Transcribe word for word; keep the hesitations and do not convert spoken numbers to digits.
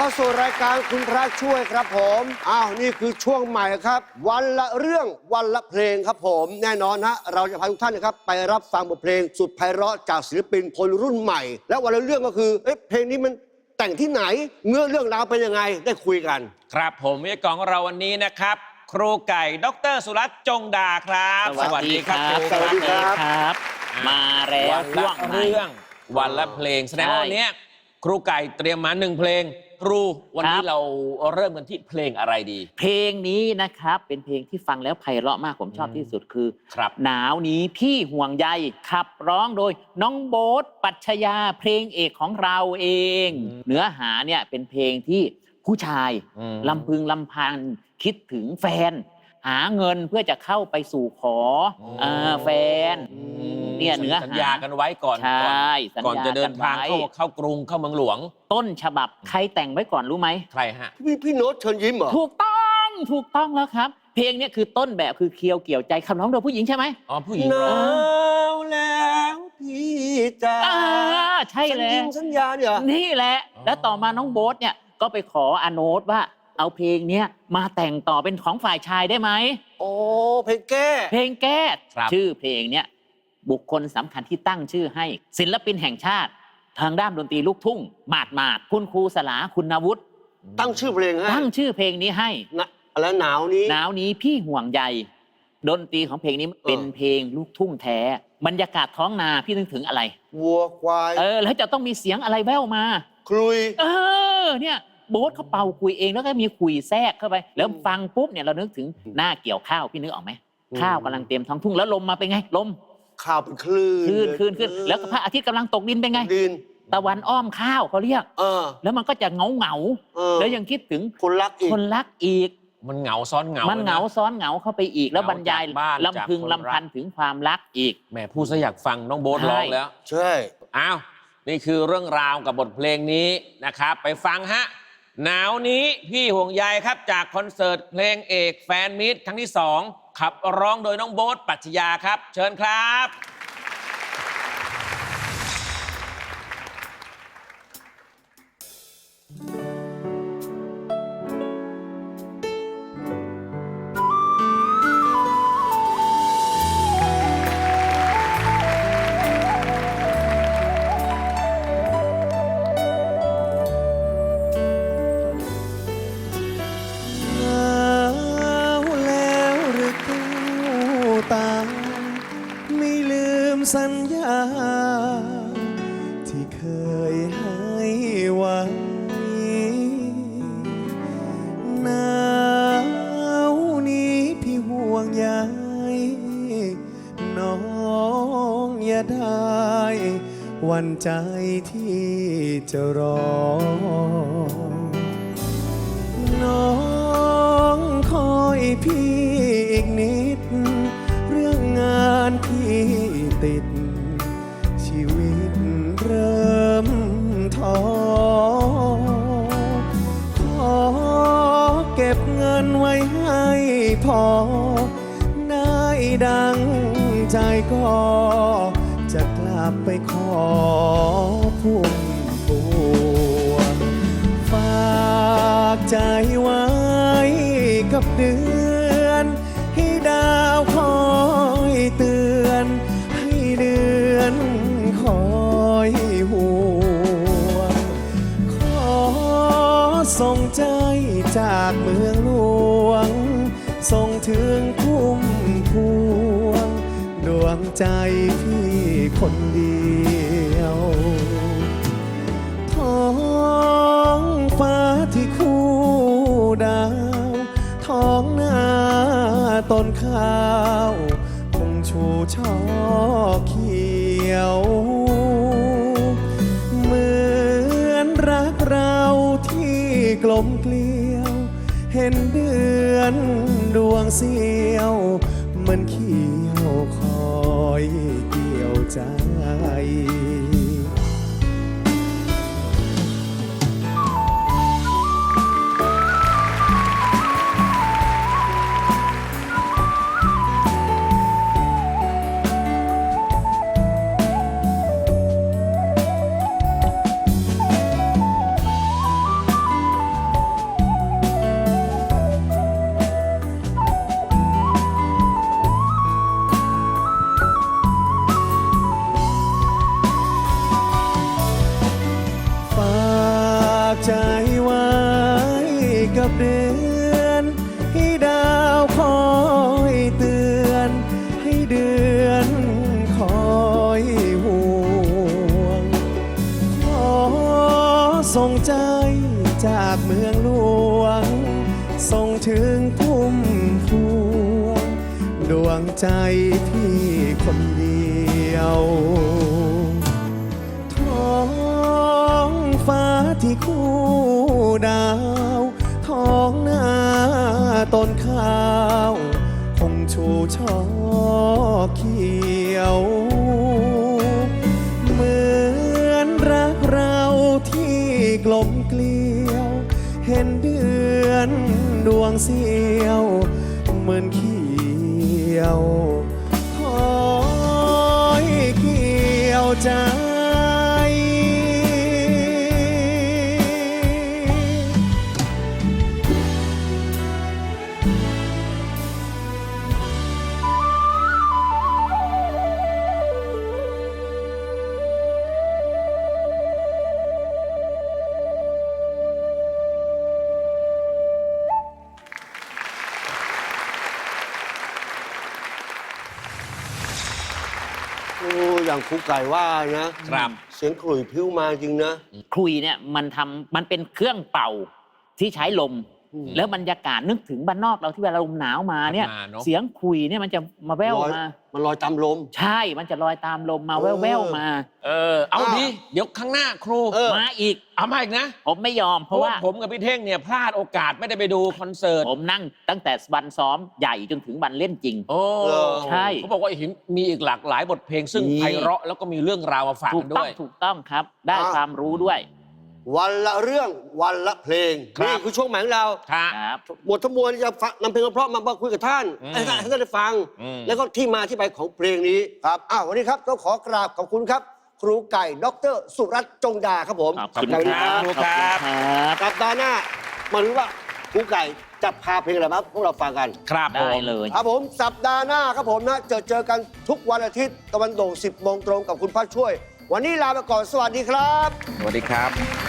สู่รายการคุณพระช่วยครับผมอ้าวนี่คือช่วงใหม่ครับวันละเรื่องวันละเพลงครับผมแน่นอนฮะเราจะพาทุกท่านนะครับไปรับฟังบทเพลงสุดไพเราะจากศิลปินคนรุ่นใหม่และวันละเรื่องก็คือเอ๊ะเพลงนี้มันแต่งที่ไหนเนื้อเรื่องราวเป็นยังไงได้คุยกันครับผมวิทยากรของเราวันนี้นะครับครูไก่ดรสุรัตน์จงดาครับสวัสดีครับสวัสดีครับมาแล้ววันละเรื่องวันละเพลงแสดงว่าวันนี้ครูไก่เตรียมมาหนึ่งเพลงครูวันนี้เราเริ่มกันที่เพลงอะไรดีเพลงนี้นะครับเป็นเพลงที่ฟังแล้วไพเราะมากผมชอบที่สุดคือครับหนาวนี้พี่ห่วงใยขับร้องโดยน้องโบ๊ทปัชญาเพลงเอกของเราเอง เนื้อหาเนี่ยเป็นเพลงที่ผู้ชายลำพึงลำพันคิดถึงแฟนหาเงินเพื่อจะเข้าไปสู่ขอแฟนเนี่ยเนื้อหาสัญญากันไว้ก่อนใช่ก่อนจะเดินทางเข้าเข้ากรุงเข้าเมืองหลวงต้นฉบับใครแต่งไว้ก่อนรู้ไหมใครฮะพี่พี่โน้ตเชิญยิ้มเหรอถูกต้องถูกต้องแล้วครับเพลงนี้คือต้นแบบคือเคียวเกี่ยวใจคำร้องโดยผู้หญิงใช่ไหมอ๋อผู้หญิงหนาวแล้วพี่จ๋าใช่แล้วสัญญาเนี่ยนี่แหละแล้วต่อมาน้องโบ๊ทเนี่ยก็ไปขออาโนตว่าเอาเพลงนี้มาแต่งต่อเป็นของฝ่ายชายได้ไหมโอ้เพลงแก้เพลงแก้ชื่อเพลงเนี้ยบุคคลสำคัญที่ตั้งชื่อให้ศิลปินแห่งชาติทางด้านดนตรีลูกทุ่งหมาดหมาดคุณครูสลาคุณวุฒิตั้งชื่อเพลงให้ตั้งชื่อเพลงนี้ให้แล้วหนาวนี้หนาวนี้พี่ห่วงใยดนตรีของเพลงนี้เป็นเพลงลูกทุ่งแท้บรรยากาศท้องนาพี่นึกถึงอะไรวัวควายเออแล้วจะต้องมีเสียงอะไรแว่วมาคลุยเออเนี่ยโบ๊ทเขาเป่าคุยเองแล้วก็มีคุยแทรกเข้าไปแล้วฟังปุ๊บเนี่ยเรานึกถึงหน้าเกี่ยวข้าวพี่นึกออกไหมข้าวกำลังเตรียมท้องทุ่งแล้วลมมาเป็นไงลมข้าวเป็นคลื่นคลื่นคลื่นคลื่นแล้วก็พระอาทิตย์กำลังตกดินเป็นไงดินตะวันอ้อมข้าวเขาเรียกเออแล้วมันก็จะเงาเงาแล้วยังคิดถึงคนรักอีกคนรักอีกมันเหงาซ้อนเหงามันเหงาซ้อนเหงาเข้าไปอีกแล้วบรรยายลำพึงลำพันถึงความรักอีกแหมพูดซะอยากฟังน้องโบ๊ทร้องแล้วใช่อ้าวนี่คือเรื่องราวกับบทเพลงนี้นะครับไปฟังฮะหนาวนี้พี่ห่วงใยครับจากคอนเสิร์ตเพลงเอกแฟนมิตรครั้งที่สองขับร้องโดยน้องโบ๊ทปัชญาครับเชิญครับสัญญาที่เคยให้ไว้หนาวนี้พี่ห่วงใยน้องอย่าได้หวั่นใจที่จะรอน้องคอยพี่อีกนิดเรื่องงานพี่ติดชีวิตเริ่มท้อขอเก็บเงินไว้ให้พอได้ดังใจก็จะกลับไปขอพุ่มพวงฝากใจไว้กับเดือนให้ดาวคอยเตือนให้เดือนคอยห่วงขอส่งใจจากเมืองหลวงส่งถึงพุ่มพวงดวงใจพี่คนเดียวท้องฟ้าที่คู่ดาวท้องนาต้นข้าวคงชูช่อเขียวเหมือนรักเราที่กลมเกลียวเห็นเดือนดวงเสียวมันเขียวคอยเกี่ยวใจส่งถึงพุ่มพวงดวงใจพี่คนเดียวท้องฟ้าที่คู่ดาวท้องนาต้นข้าวคงชูช่อเขียว เหมือนรักเราที่กลมเกลียว เห็นเดือนดวงเสียวเหมือนเขียวคอยเกี่ยวใจโอ้อย่างครูไก่ว่านะครับ เสียงขลุ่ยพริ้วมาจริงนะคลุยเนี่ยมันทำมันเป็นเครื่องเป่าที่ใช้ลมอืมแล้วบรรยากาศนึกถึงบ้านนอกเราที่เวลาลมหนาวมาเนี่ยมาเนอะเสียงคลุยเนี่ยมันจะมาแว่วลอยมามันลอยตามลมใช่ มันจะลอยตามลมมาเอแว่อวแว่วๆมาเออ เอาอ้าวดีเดี๋ยวข้างหน้าครูเออมาอีกเอามาอีกนะผมไม่ยอมเพเพราะราะว่าว่าผมกับพี่เท่งเนี่ยพลาดโอกาสไม่ได้ไปดูคอนเสิร์ตผมนั่งตั้งแต่วันซ้อมใหญ่จนถึงวันเล่นจริงโอ้เหรอใช่เขาบอกว่าเห็นมีอีกหลากหลายบทเพลงซึ่งมีไพเราะแล้วก็มีเรื่องราวมาฝากถูกักนต้ด้องวยถูกต้องครับ ได้อ่าความรู้ด้วยวันละเรื่องวันละเพลงครับนี่คือช่วงใหม่ของเราค่ะครับบททั้งมวลจะฟังนำเพลงเพราะๆมาคุยกับท่านอืมให้ท่านให้ท่านได้ฟังอืมแล้วก็ที่มาที่ไปของเพลงนี้ครับอ้าววันนี้ครับต้องขอกราบขอบคุณครับ ครูไก่ดรสุรัตน์จงดาครับผมขอบคุณขอบคุณคครัรับบครูขอบครัคุณบครับสัปดาห์หน้ามารู้ว่าครูไก่จะพาเพลงอะไรมาพวกเราฟังกันครับผได้มเลยครับผมสัปดาห์หน้าครับผมนะเจอเจอกันทุกวันอาทิตย์ตะวันโด่งสิบโมงตรงกับคุณพัชช่วย วันนี้ลาไปก่อนสวัสดีครับสวัสดีครับ